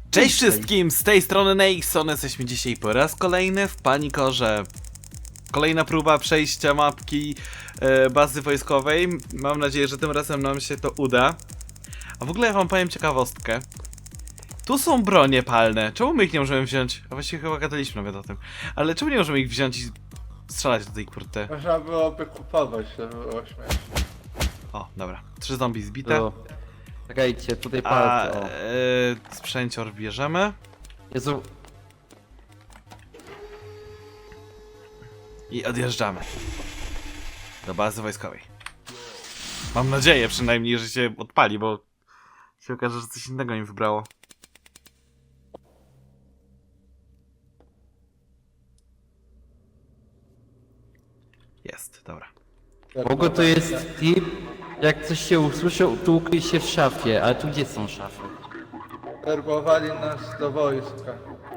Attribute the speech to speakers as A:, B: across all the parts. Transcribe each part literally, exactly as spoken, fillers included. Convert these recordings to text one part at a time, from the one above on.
A: Cześć wszystkim, z tej strony Nexon, jesteśmy dzisiaj po raz kolejny w Panikorze. Kolejna próba przejścia mapki e, bazy wojskowej. Mam nadzieję, że tym razem nam się to uda. A w ogóle ja wam powiem ciekawostkę. Tu są bronie palne, czemu my ich nie możemy wziąć? A właściwie chyba gadaliśmy nawet o tym. Ale czemu nie możemy ich wziąć i strzelać do tej kurty?
B: Można byłoby kupować, to było śmieszne.
A: O, dobra, trzy zombie zbite.
C: To... Czekajcie, tutaj
A: A
C: palce, o.
A: e, sprzęcior bierzemy.
C: Jezu,
A: I odjeżdżamy do bazy wojskowej. Mam nadzieję przynajmniej, że się odpali, bo się okaże, że coś innego im wybrało. Jest, dobra.
C: w ogóle to jest tip, jak coś się usłyszy, to ukryj się w szafie, ale tu gdzie są szafy?
B: Werbowali nas do wojska.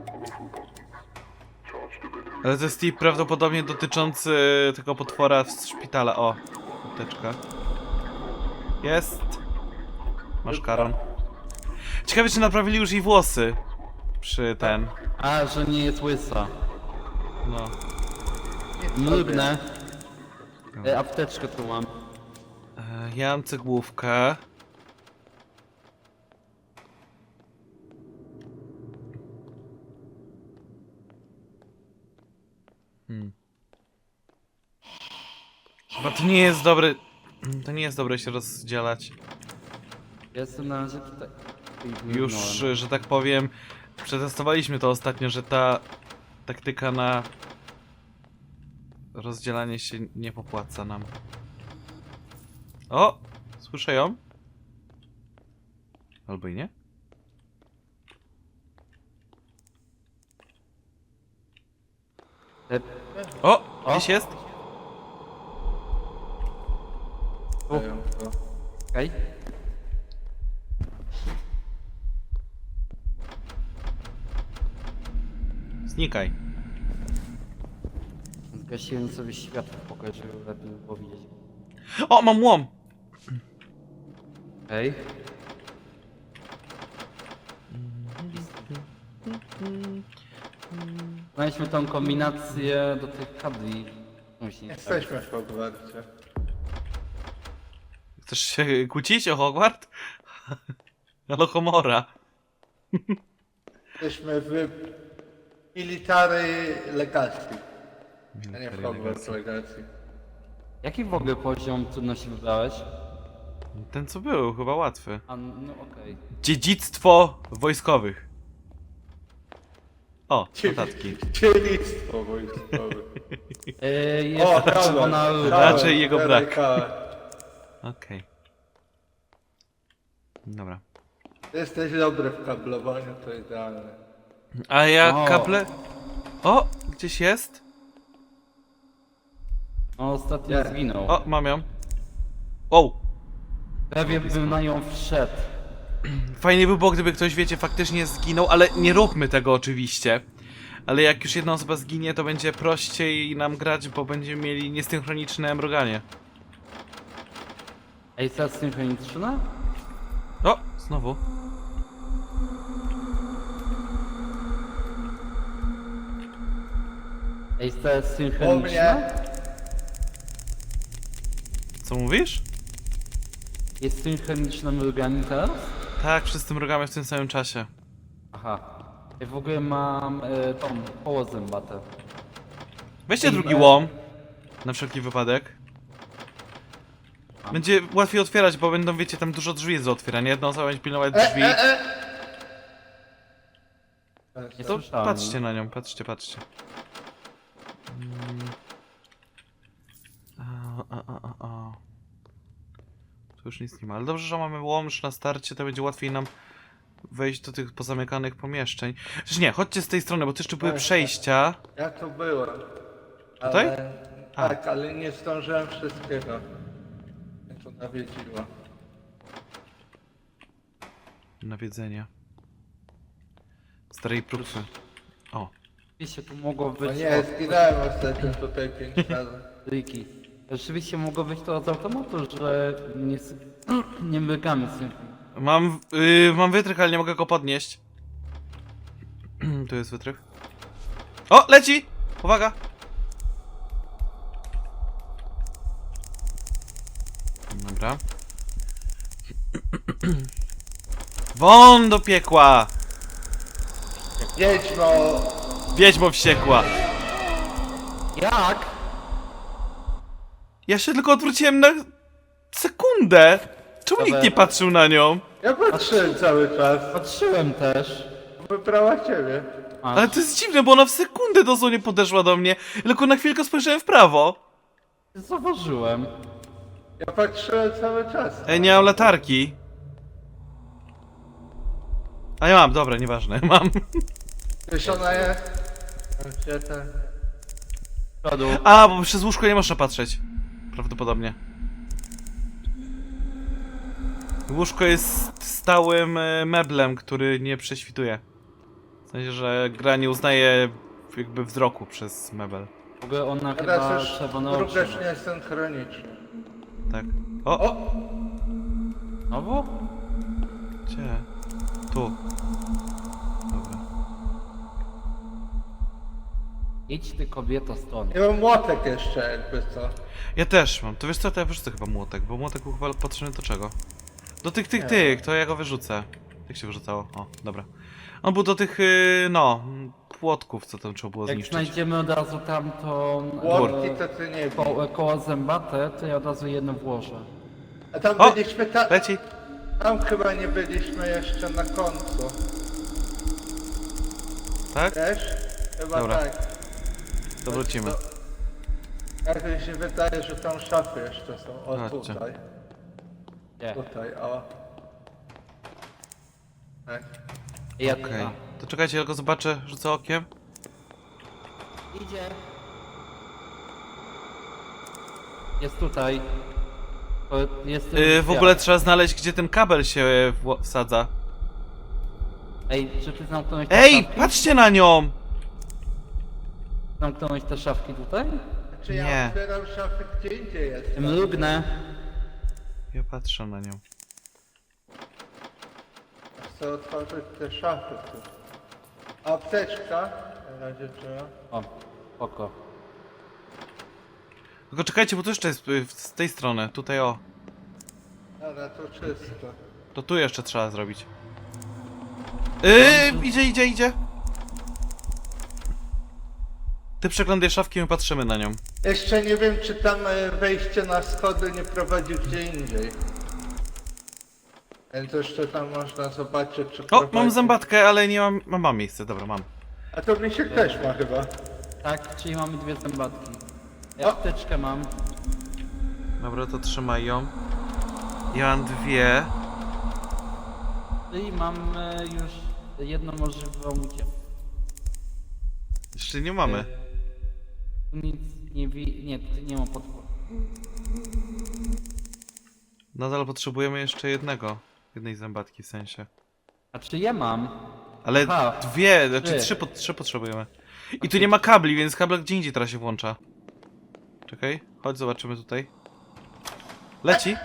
A: Ale to jest tip prawdopodobnie dotyczący tego potwora z szpitala. O, apteczka. Jest. Masz karon. Ciekawe, czy naprawili już jej włosy. Przy ten.
C: A, że nie jest łysa.
A: No.
C: Mrugnę. E, apteczkę tu mam.
A: E, ja mam cegłówkę. Hmm. Chyba to nie jest dobre. To nie jest dobre się rozdzielać.
C: Ja jestem na razie tutaj.
A: Już,
C: Mrugnąłem.
A: że tak powiem, przetestowaliśmy to ostatnio, że ta taktyka na rozdzielanie się nie popłaca nam. O! Słyszę ją? Albo i nie?
C: E,
A: O!
C: O!
A: Gdzieś jest?
C: O. Okej.
A: Znikaj.
C: Zgasiłem sobie światło w pokoju, żeby lepiej było widzieć.
A: O! Mam łom!
C: Okej. Znaleźliśmy tą kombinację do tych kabli. Musi.
B: Jesteśmy w Hogwarcie.
A: Chcesz się kłócić o Hogwart? Alohomora.
B: Jesteśmy w Military Legacy, a nie w
A: Military
B: Hogwarts
A: Legacy.
B: Legacy.
C: Jaki w ogóle poziom trudności wybrałeś?
A: Ten co był, chyba łatwy.
C: A, no okej.
A: Dziedzictwo wojskowych. O, notatki.
B: Dzielnictwo wojskowe.
C: Yy, jest czerwona ruda.
A: Raczej jego brak.
B: Kałek.
A: Okej. Dobra.
B: Jesteś dobry w kablowaniu, to idealne.
A: A ja
C: O.
A: kable... O! Gdzieś jest?
C: No ostatnio
B: Nie.
C: zginął.
A: O, mam ją. Wow!
C: Prawie bym na nią wszedł.
A: Fajnie by było, gdyby ktoś, wiecie, faktycznie zginął, ale nie róbmy tego oczywiście. Ale jak już jedna osoba zginie, to będzie prościej nam grać, bo będziemy mieli niesynchroniczne mruganie.
C: Ej, teraz synchroniczna?
A: O! Znowu.
C: Ej, teraz
B: Po
C: synchroniczna?
B: mnie
A: Co mówisz?
C: Jest synchroniczna mruganie teraz?
A: Tak, wszyscy mrugamy w tym samym czasie.
C: Aha. Ja w ogóle mam e, tą koło zębate.
A: Weźcie
B: Ej,
A: drugi
B: e-
A: łom. Na wszelki wypadek. Będzie łatwiej otwierać, bo będą, wiecie, tam dużo drzwi jest do otwierania. Jedna osoba będzie pilnować
B: E,
A: drzwi.
B: e, e.
C: Nie
A: To
C: słyszałem.
A: patrzcie na nią, patrzcie, patrzcie. Mm. A, a, a, a, a. Tu już nic nie ma, ale dobrze, że mamy łomż na starcie, to będzie łatwiej nam wejść do tych pozamykanych pomieszczeń. Przecież nie, chodźcie z tej strony, bo tu jeszcze były
B: Tak,
A: przejścia.
B: Ja tu byłem.
A: Tutaj?
B: Ale,
A: A.
B: tak, ale nie zdążyłem wszystkiego. Mnie to nawiedziło.
A: Nawiedzenie. Starej próbky. O.
C: Rzeczywiście tu mogło być...
B: O nie, zginąłem ostatnio tutaj pięć razy.
C: Ryki. Rzeczywiście mogło być to z automatu, że nie, sy- nie mrugamy synchronicznie.
A: Mam, yy, mam wytrych, ale nie mogę go podnieść. Tu jest wytrych. O, leci! Uwaga! Dobra. Won do piekła!
B: Wiedźmo!
A: Wiedźmo wściekła!
C: Jak?
A: Ja się tylko odwróciłem na sekundę! Czemu
C: Dobra.
A: nikt nie patrzył na nią?
B: Ja patrzyłem cały czas.
C: Patrzyłem też.
B: Wybrała ciebie.
C: A,
A: Ale to jest dziwne, bo ona w sekundę dosłownie podeszła do mnie. Tylko na chwilkę spojrzałem w prawo.
C: zauważyłem.
B: Ja patrzyłem cały czas.
A: Ej, nie mam latarki. A ja mam, dobra, nieważne, mam.
B: Wiesz, ona jest? Gdzie ten?
C: Przodu.
A: A, bo przez łóżko nie można patrzeć. Prawdopodobnie. Łóżko jest stałym e, meblem, który nie prześwituje. W sensie, że gra nie uznaje jakby wzroku przez mebel.
C: W ogóle ona
B: Teraz
C: chyba
B: już
C: czerwone oczy.
B: również nie jest synchroniczny.
A: Tak. O!
B: O!
C: Znowu?
A: Gdzie? Tu. Dobra.
C: Idź ty kobieto stąd.
B: Nie mam młotek jeszcze, jakby co.
A: Ja też mam. To wiesz co, to ja wyrzucę chyba młotek, bo młotek był chyba potrzebny do czego? Do tych, tych,
B: Nie.
A: tych, to ja go wyrzucę. Jak się wyrzucało? O, dobra. On był do tych, yy, no, płotków, co tam trzeba było
C: Jak
A: zniszczyć.
C: znajdziemy od razu tamtą
B: Młotki
C: e,
B: to ty nie wiem.
C: ko koło zębate, to ja od razu jedno włożę.
B: A tam
A: O!
B: byliśmy, ta...
A: Leci.
B: tam chyba nie byliśmy jeszcze na końcu.
A: Tak?
B: Wiesz? Chyba
A: Dobra.
B: tak.
A: To wrócimy.
B: To... Jak mi się wydaje, że tam szafy jeszcze są. O,
A: Chodźcie.
B: tutaj.
C: Nie.
B: Tutaj, o. Tak.
C: Ja,
A: Okej.
C: a,
A: To czekajcie, ja go zobaczę, rzucę okiem.
C: Idzie. Jest tutaj. To Jest
A: Yy, w ogóle trzeba znaleźć, gdzie ten kabel się e, wło- wsadza.
C: Ej, czy ty zamknąłeś te
A: Ej,
C: szafki?
A: patrzcie na nią!
C: Zamknąłeś te szafki tutaj?
B: Czy ja
A: Nie.
B: otwieram szafy gdzie indziej jest?
C: Mrugnę.
A: Ja patrzę na nią.
B: Chcę otworzyć te szafy tu. Apteczka. Na razie trzeba.
C: O, oko.
A: Tylko czekajcie, bo tu jeszcze jest y, z tej strony, tutaj o.
B: Ale to czysto.
A: To tu jeszcze trzeba zrobić. Yy, idzie, idzie, idzie. Ty przeglądaj szafki, my patrzymy na nią.
B: Jeszcze nie wiem, czy tam e, wejście na schody nie prowadzi gdzie indziej. Więc jeszcze tam można zobaczyć, czy
A: O,
B: prowadzi.
A: mam zębatkę, ale nie mam... Mam, mam miejsce, dobra, mam.
B: A to Misiek też ma chyba.
C: Tak, czyli mamy dwie zębatki. Ja
B: O!
C: apteczkę mam.
A: Dobra, to trzymaj ją. Ja mam dwie.
C: Czyli mam e, już jedną możliwą ucieczkę.
A: Jeszcze nie mamy.
C: Tu nic nie wi... nie, tu nie ma podporu.
A: Nadal potrzebujemy jeszcze jednego. Jednej zębatki w sensie.
C: A czy ja mam?
A: Ale
C: Aha.
A: dwie, znaczy
C: Trzy.
A: trzy, po, trzy potrzebujemy. I tu nie ma kabli, więc kabel gdzie indziej teraz się włącza. Czekaj, chodź zobaczymy tutaj. Leci?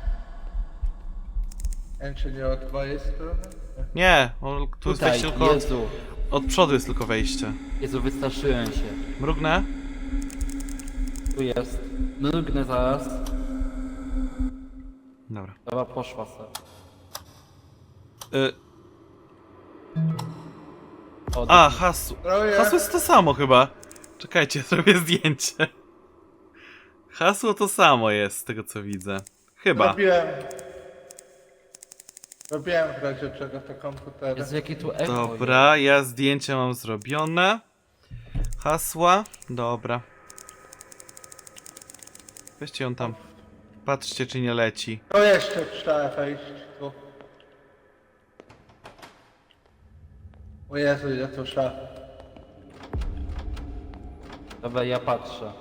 B: Nie wiem, czy nie od mojej strony?
A: Nie, on, tu jest
C: Tutaj,
A: wejście tylko od,
C: Jezu.
A: od przodu jest tylko wejście.
C: Jezu, wystraszyłem się.
A: Mrugnę?
C: Tu jest. Mrugnę zaraz.
A: Dobra.
C: Dobra, poszła se.
A: Y,
C: O,
A: a, hasło.
B: Troje.
A: Hasło jest to samo chyba. Czekajcie, zrobię zdjęcie. Hasło to samo jest, z tego co widzę. Chyba.
B: Robiłem. Robiłem w razie czego te komputery.
C: Jezu, jakie tu echo
A: Dobra, ja zdjęcie mam zrobione. Hasła, dobra. Weźcie ją tam. Patrzcie, czy nie leci.
B: To jeszcze trzeba wejść tu. O Jezu, ile tu szaf.
C: jest. Dobra, ja patrzę.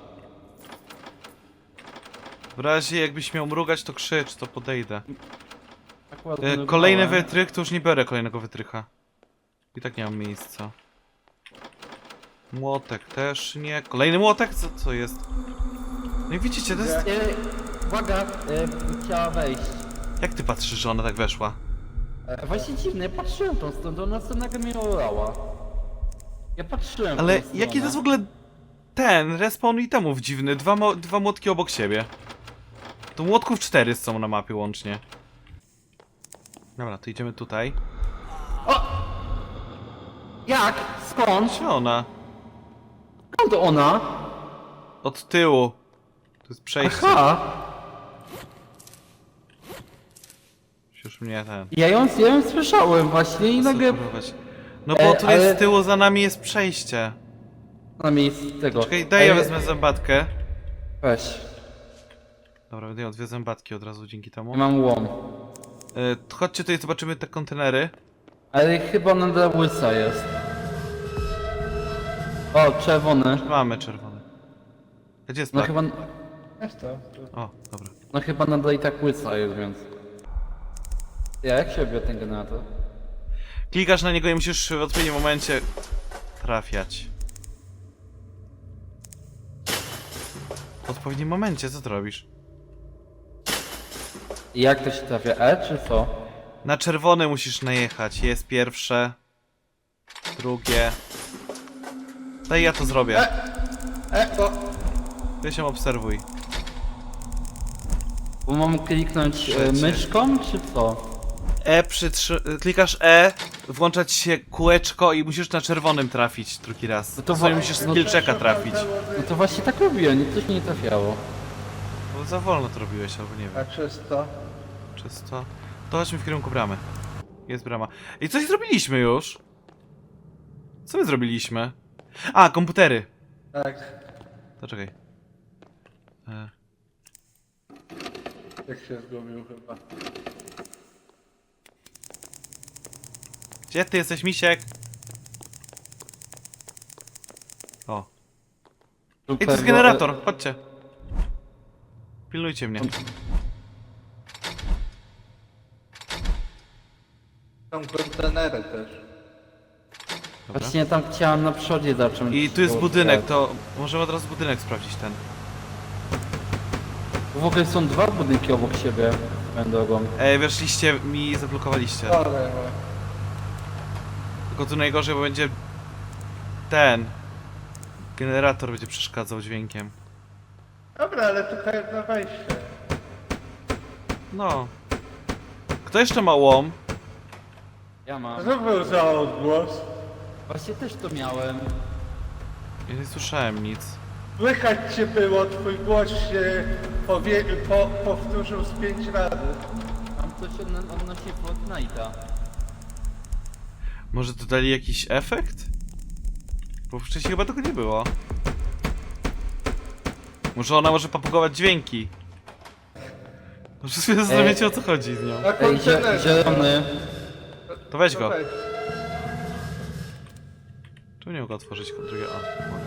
A: W razie jakbyś miał mrugać, to krzycz, to podejdę.
C: Akurat
A: E,
C: mrugnąłem.
A: kolejny wytrych, to już nie biorę kolejnego wytrycha. I tak nie mam miejsca. Młotek też nie. Kolejny młotek? Co, co jest? No i widzicie, to jest...
C: E, uwaga, e, chciała wejść.
A: Jak ty patrzysz, że ona tak weszła?
C: E, właśnie dziwne, ja patrzyłem tą stronę, ona sobie nagle mnie olała. Ja patrzyłem. w
A: Ale
C: tą
A: jaki to jest w
C: stronę.
A: ogóle ten respawn itemów dziwny? Dwa, mo dwa młotki obok siebie. To młotków cztery są na mapie łącznie. Dobra, to idziemy tutaj.
C: Jak? Skąd?
A: Gdzie ona?
C: Skąd ona?
A: Od tyłu. To jest przejście.
C: Aha!
A: Już mnie ten.
C: Ja ją, ja ją słyszałem właśnie i nagle
A: Spróbować. No bo
C: E,
A: tu
C: ale-
A: jest z tyłu, za nami jest przejście.
C: na miejscu tego.
A: Czekaj, daj ja
C: Ej,
A: wezmę zębatkę.
C: Weź.
A: Dobra, będę miał dwie zębatki od razu dzięki temu.
C: Ja mam łom.
A: E, to chodźcie tutaj, zobaczymy te kontenery.
C: Ale chyba nadal łysa jest. O, czerwony.
A: Mamy czerwone. Gdzie jest
C: No
A: plak?
C: chyba,
B: Jest to. to.
A: O, dobra.
C: no chyba nadal i tak łysa jest, więc... Ja, jak się odbiera ten generator?
A: Klikasz na niego i musisz w odpowiednim momencie trafiać. W odpowiednim momencie, co ty robisz?
C: I jak to się trafia? E czy co?
A: Na czerwony musisz najechać. Jest pierwsze. Drugie. Daj ja to zrobię.
B: E, bo...
A: Ty się obserwuj.
C: Bo mam kliknąć e,
A: Trzecie.
C: myszką, czy co?
A: E przytrzy... Klikasz E, włączać się kółeczko i musisz na czerwonym trafić drugi raz.
C: No
A: To
C: to
A: sobie
C: wa-
A: musisz
C: no-
A: skillczeka trafić.
C: No to właśnie tak robiłem, nic mi nie trafiało.
A: Bo za wolno to robiłeś, albo nie wiem.
B: A czysto?
A: Czysto. To chodźmy w kierunku bramy. Jest brama. I coś zrobiliśmy już. Co my zrobiliśmy? A, komputery.
B: Tak.
A: To czekaj. E,
B: Jak się zgubił chyba.
A: Gdzie ty jesteś, misiek? O. Ej, to jest generator, chodźcie. Pilnujcie mnie.
B: Są kontenery też.
A: Dobra.
C: Właśnie tam chciałem na przodzie zacząć.
A: I tu jest
C: to
A: budynek,
C: otwierać.
A: to możemy od razu budynek sprawdzić ten.
C: W ogóle są dwa budynki obok siebie. Swoją drogą.
A: Ej, weszliście mi zablokowaliście.
B: Ale...
A: Tylko tu najgorzej, bo będzie ten generator będzie przeszkadzał dźwiękiem.
B: Dobra, ale tylko jedno wejście.
A: No. Kto jeszcze ma łom?
C: Ja mam.
B: Co był za odgłos?
C: Właśnie też to miałem.
A: Ja nie słyszałem nic.
B: Słychać cię było, twój głos się powie... po... powtórzył z pięć razy.
C: Mam coś odno- odnośnie Fortnite'a.
A: Może dodali jakiś efekt? Bo wcześniej chyba tego nie było. Może ona może papugować dźwięki. Może sobie zastanawiacie, o co chodzi z nią.
B: Na
C: Ej,
B: kontenerze.
C: zie- zielony.
A: To weź go.
B: Weź.
A: Czemu nie mogę otworzyć drugiego? O, mogę.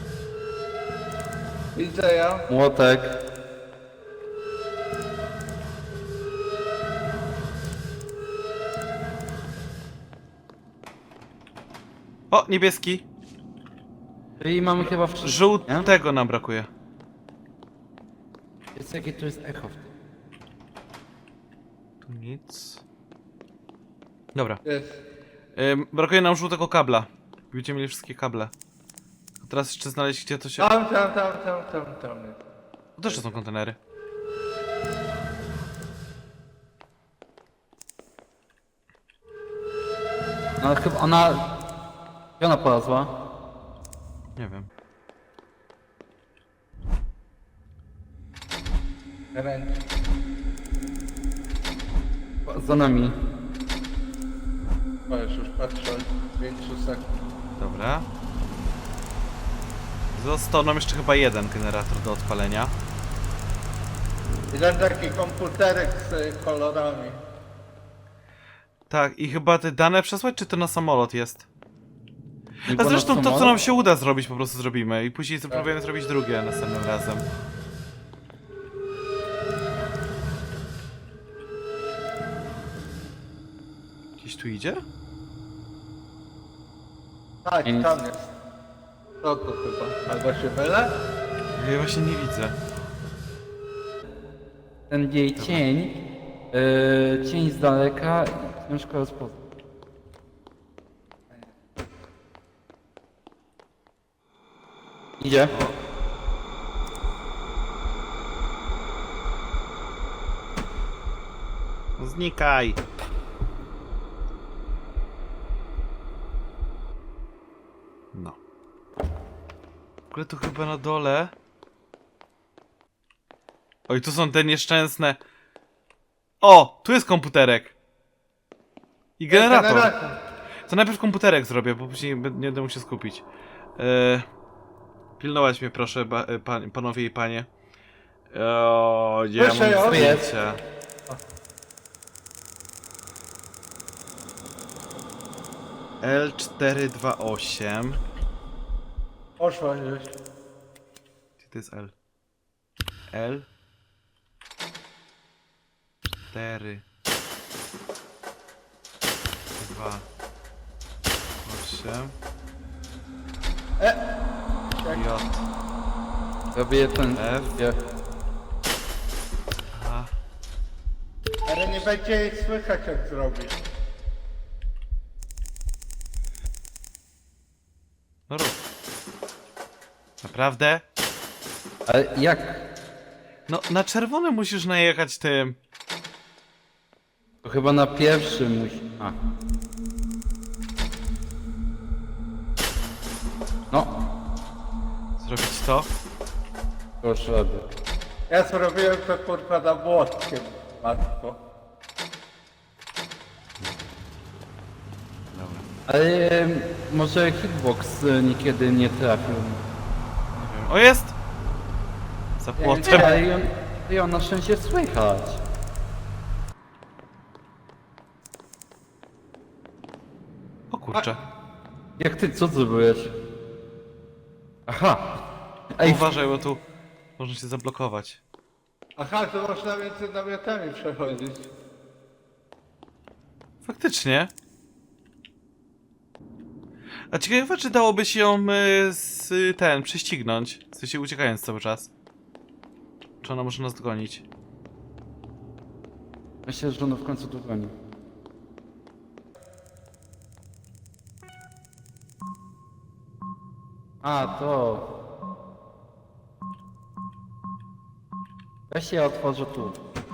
B: Widzę ja.
C: Młotek.
A: O, niebieski.
C: I mamy chyba wszystko. nie?
A: Żółtego nam brakuje.
C: Jest jakie tu jest echo w tym.
A: Tu nic. Dobra.
B: Jest.
A: Ym, brakuje nam żółtego kabla. Będziemy mieli wszystkie kable. A teraz jeszcze znaleźć, gdzie to się...
B: Tam, tam, tam, tam, tam, tam.
A: To też są kontenery.
C: No chyba ona... Gdzie ona polazła?
A: Nie wiem.
B: Ręcz.
C: Za nami.
B: Możesz już patrzę od pięciu sekund.
A: Dobra. Został nam jeszcze chyba jeden generator do odpalenia.
B: Jeden taki komputerek z y, kolorami.
A: Tak, i chyba te dane przesłać, czy to na samolot jest?
C: Nie
A: A
C: było
A: zresztą
C: na
A: to, co
C: samolot?
A: nam się uda zrobić, po prostu zrobimy. I później spróbujemy zrobić drugie następnym razem. Gdzieś tu idzie?
B: Tak,
C: Ja nic-
B: tam jest. To to chyba. Albo się mylę?
A: Ja właśnie nie widzę.
C: Ten jej cień. Yy, cień z daleka i ciężko rozpoznać. Idzie.
A: No znikaj! No. W ogóle tu chyba na dole... Oj, tu są te nieszczęsne... O! Tu jest komputerek! I generator!
B: Generator.
A: To najpierw komputerek zrobię, bo później nie będę mógł się skupić. Eee, pilnować mnie proszę, ba, e, pan, panowie i panie. O, gdzie ja
B: Proszę,
A: mam
B: o,
A: zdjęcia? L cztery dwa osiem.
B: Poszła już.
A: Gdzie to jest L? L cztery dwa osiem
B: E!
A: J
C: Robię ten...
A: F.
C: Ja.
A: A
B: Ale nie będzie jej słychać jak zrobić.
A: no rób. Naprawdę?
C: Ale jak?
A: No na czerwone musisz najechać tym.
C: To chyba na pierwszym musi... A. No,
A: Zrobić to?
C: proszę robię.
B: Ja zrobiłem to kurwa na młotkiem. Matko.
A: Dobra.
C: Ale em, może hitbox e, niekiedy nie trafił.
A: Nie wiem. O jest! Za płotem.
C: Ale ją, ją na szczęście słychać.
A: O kurczę.
C: Jak ty, co zrobiłeś? Aha! Ej,
A: Uważaj, bo tu można się zablokować.
B: Aha, to można między namiotami przechodzić.
A: Faktycznie. A ciekawe, czy dałoby się ją y, z ten prześcignąć, w sensie uciekając cały czas. Czy ona może nas dogonić?
C: myślę, że ono w końcu dogoni. A, to... Weź się otworzę tu.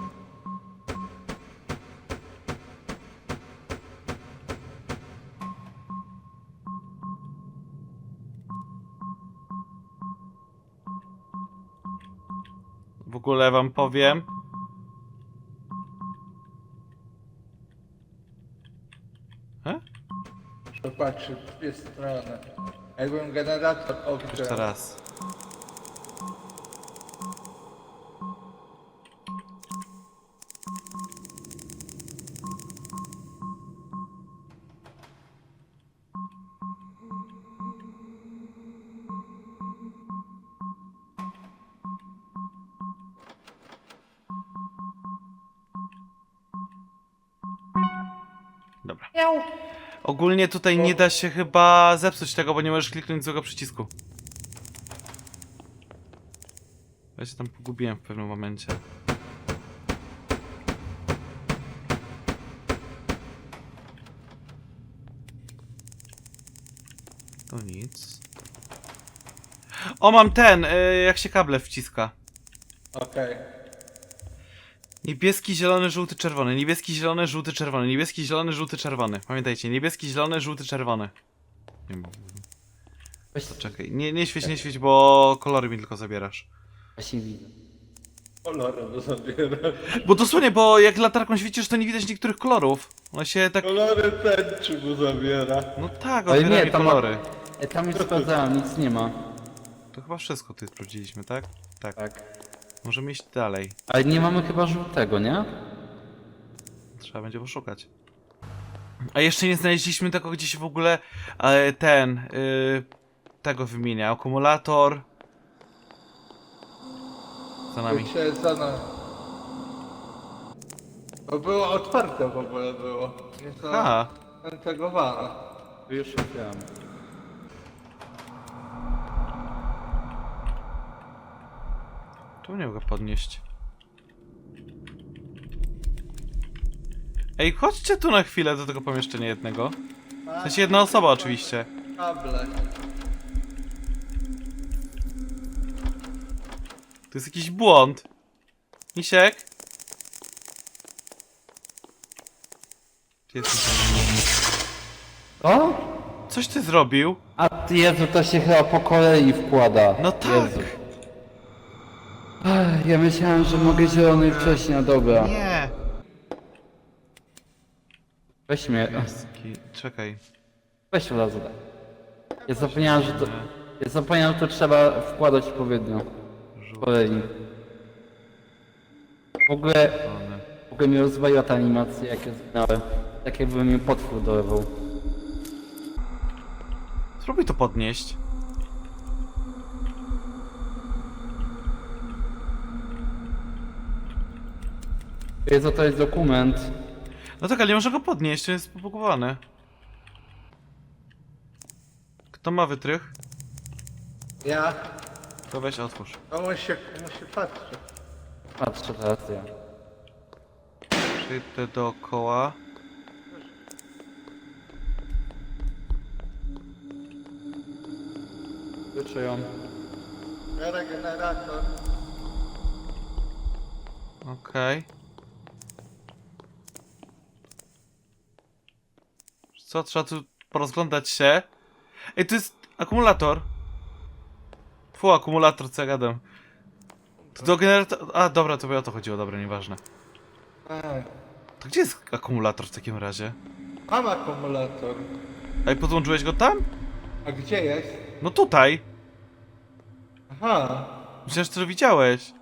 A: W ogóle wam powiem. He?
B: Popatrzcie, w dwie strony. Jakbym generator
A: Jeszcze
B: odkrył.
A: raz. Dobra. Ogólnie tutaj nie da się chyba zepsuć tego, bo nie możesz kliknąć złego przycisku. Ja się tam pogubiłem w pewnym momencie. To nic. O, mam ten, y, jak się kable wciska.
B: Okej.
A: Niebieski, zielony, żółty, czerwony. Niebieski, zielony, żółty, czerwony. Niebieski, zielony, żółty, czerwony. Pamiętajcie, niebieski, zielony, żółty, czerwony. Nie wiem.
C: Weź
A: To czekaj. Nie, nie świeć, nie świeć, bo kolory mi tylko zabierasz.
C: Właśnie widzę.
B: Kolory zabiera.
A: Bo dosłownie, bo jak latarką świecisz, to nie widać niektórych kolorów. One się tak...
B: Kolory tęczy mu zabiera.
A: No tak,
C: Ale
A: odbiera
C: nie,
A: mi
C: tam-
A: kolory.
C: E, tam już sprawdzałem, nic nie ma.
A: To chyba wszystko tutaj sprawdziliśmy, tak? Tak.
C: Tak.
A: Możemy iść dalej.
C: Ale nie mamy chyba żółtego, nie?
A: Trzeba będzie poszukać. A jeszcze nie znaleźliśmy tego, gdzie się w ogóle e, ten... E, tego wymienia. Akumulator. Za nami.
B: Się za nami. Bo było otwarte w ogóle było. Nie
A: A,
B: zaintegrowane.
C: To już wiem.
A: czemu nie mogę podnieść? Ej, chodźcie tu na chwilę do tego pomieszczenia jednego. W sensie jedna osoba oczywiście.
B: Kable.
A: To jest jakiś błąd. Misiek? Gdzie jesteś?
C: O?
A: Coś ty zrobił?
C: A ty, Jezu, to się chyba po kolei wkłada.
A: No tak.
C: Jezu. Ech, ja myślałem, że mogę zielony wcześniej, a dobra.
A: Nie.
C: Weź mnie.
A: Jaski- Czekaj.
C: Weź laser. Ja zapomniałem, że to... Ja zapomniałem, że to trzeba wkładać odpowiednio. Po kolei. W ogóle...
A: One.
C: W ogóle mnie rozwaliła ta animacja, jak ja zginąłem. Tak jakby mnie potwór dolewał.
A: Spróbuj to podnieść.
C: Jezu, to jest dokument.
A: No tak, ale nie można go podnieść, to jest pobugowany. Kto ma wytrych?
B: Ja.
A: To weź otwórz.
B: No musi, musi patrzeć.
C: Patrzę teraz ja.
A: Przejdę dookoła.
C: Wyczują.
B: Regenerator.
A: Okej. Co, trzeba tu porozglądać się. Ej, to jest akumulator. Fu, akumulator, co ja gadam. To do generatora... A, dobra, to by o to chodziło, dobra, nieważne.
B: Ej,
A: To gdzie jest akumulator w takim razie?
B: mam akumulator.
A: Ej, podłączyłeś go tam?
B: A gdzie jest?
A: No tutaj.
B: Aha.
A: Myślałem, że to widziałeś.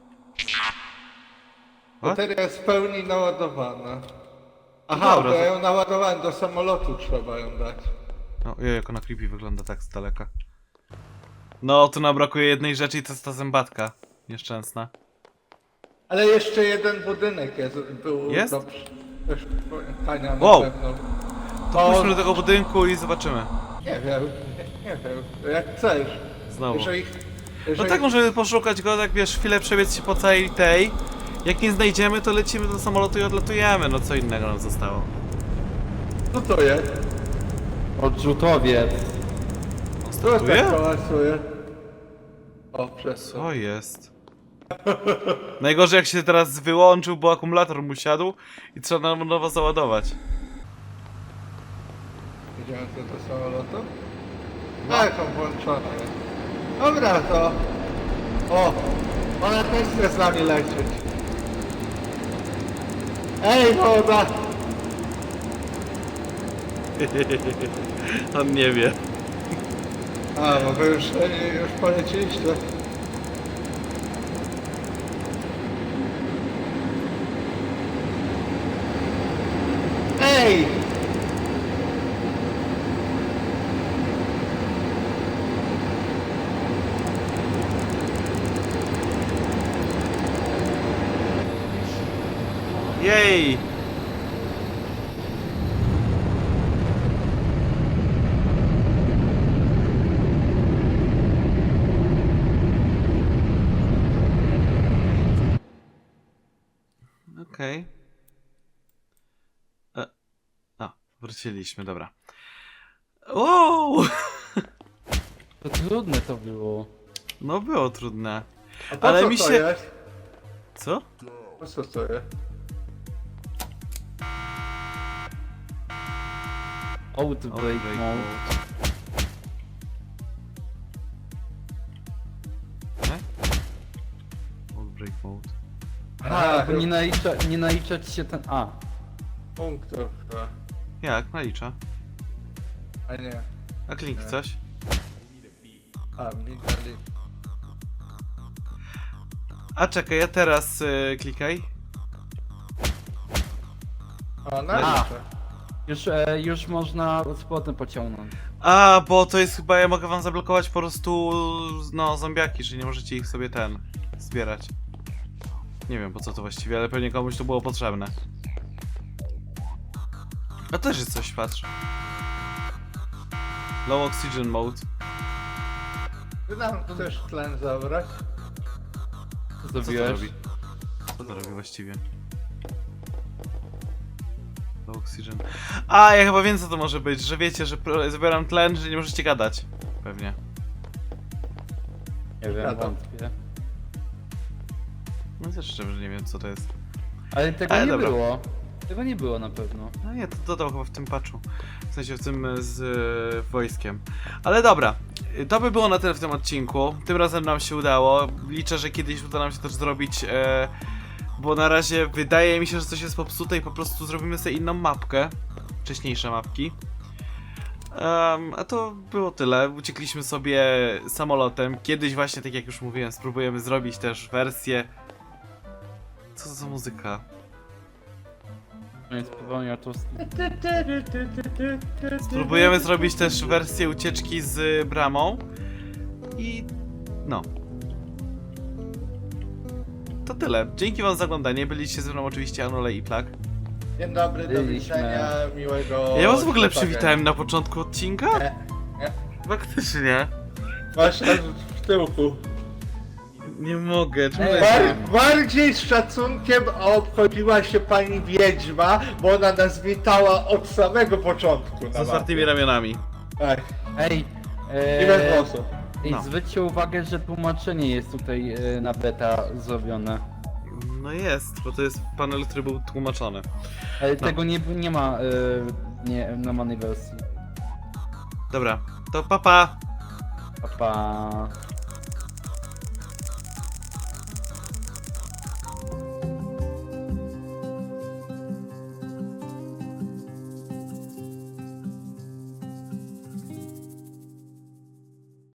A: What?
B: Bateria jest w pełni naładowana. Aha,
A: dobra,
B: bo ja
A: to-
B: ją naładowałem do samolotu, trzeba ją dać.
A: No, ojej, jak ona creepy wygląda tak z daleka. No, tu nam brakuje jednej rzeczy i to jest ta zębatka. Nieszczęsna.
B: Ale jeszcze jeden budynek jest, był
A: Jest?
B: do pamiętania na
A: Wow.
B: pewno.
A: To pójdźmy do tego budynku i zobaczymy.
B: Nie wiem, nie, nie wiem, jak chcesz.
A: Znowu.
B: Jeżeli,
A: No
B: jeżeli...
A: tak, możemy poszukać go, tak wiesz, chwilę przebiec się po całej tej. Jak nie znajdziemy, to lecimy do samolotu i odlatujemy. No co innego nam zostało.
B: Co to jest?
C: Odrzutowiec.
A: On
B: Co tak
A: startuje?
B: hałasuje? O, przez
A: Co jest? Najgorzej jak się teraz wyłączył, bo akumulator mu siadł i trzeba nam nowo załadować.
B: Idziemy tu do samolotu? Tak, on włączony jest. Dobra, to... O! Ona też chce z nami lecieć. Ej, woda!
A: On nie wie.
B: A, bo wy już, już poleciliście. Ej!
A: Jej! Okej. E, A, wróciliśmy, dobra. Wow!
C: To trudne to było.
A: No było trudne.
B: A po
A: Ale
B: co
A: mi
B: to
A: się...
B: jest?
A: Co?
B: Po co to jest?
C: Outbreak mode.
A: E? Outbreak mode.
C: Aha, bo nie, nalicza, nie naliczać się ten... A.
B: punktów chyba.
A: Jak? Nalicza.
B: A nie.
A: A kliknij coś.
B: A, mi dali.
A: A czekaj, ja teraz y, klikaj.
B: A, naliczę.
C: Już, e, już można z powrotem pociągnąć.
A: A, bo to jest chyba, ja mogę wam zablokować po prostu, no, zombiaki, że nie możecie ich sobie ten, zbierać. Nie wiem po co to właściwie, ale pewnie komuś to było potrzebne. A też jest coś, patrz. Low oxygen mode.
B: Ty nam chcesz tlen zabrać?
C: Co
A: Co to
C: zrobiłeś?
A: robi? Co to robi właściwie? Low oxygen. A, ja chyba wiem co to może być, że wiecie, że pro- zabieram tlen, że nie możecie gadać. Pewnie.
C: Nie wiem,
B: Gadam.
C: wątpię.
A: No też szczerze nie wiem co to jest.
C: Ale tego
A: Ale
C: nie
A: dobra.
C: było. Tego nie było na pewno.
A: No nie, to dodał chyba w tym patchu. W sensie w tym e, z e, wojskiem. Ale dobra, y, to by było na tyle w tym odcinku. Tym razem nam się udało. Liczę, że kiedyś uda nam się też zrobić, e, bo na razie wydaje mi się, że coś jest popsute i po prostu zrobimy sobie inną mapkę. Wcześniejsze mapki. Um, a to było tyle. Uciekliśmy sobie samolotem. Kiedyś właśnie, tak jak już mówiłem, spróbujemy zrobić też wersję... Co to za muzyka?
C: No jest popełnił to.
A: Spróbujemy zrobić też wersję ucieczki z bramą. I no. To tyle. Dzięki wam za oglądanie. Byliście ze mną oczywiście Anole i Plak.
B: Dzień dobry, do
C: Byliśmy.
B: widzenia, miłego...
A: Ja was w ogóle
B: święta.
A: przywitałem na początku odcinka?
B: Nie, nie.
A: Faktycznie.
B: Masz aż w tyłku.
A: Nie mogę. Czemu
C: Ej.
A: ja-
B: Bar bardziej z szacunkiem obchodziła się pani Wiedźma, bo ona nas witała od samego początku.
A: Z
B: na
A: otwartymi
B: mapie.
A: ramionami.
B: Tak,
C: Ej,
B: i bez
C: e,
B: głosu.
C: ej
A: No.
C: zwróćcie uwagę, że tłumaczenie jest tutaj e, na beta zrobione.
A: No jest, bo to jest panel, który był tłumaczony.
C: Ale
A: No.
C: tego nie, nie ma e, nie, w normalnej wersji.
A: Dobra, to papa. Pa.
C: Pa, pa.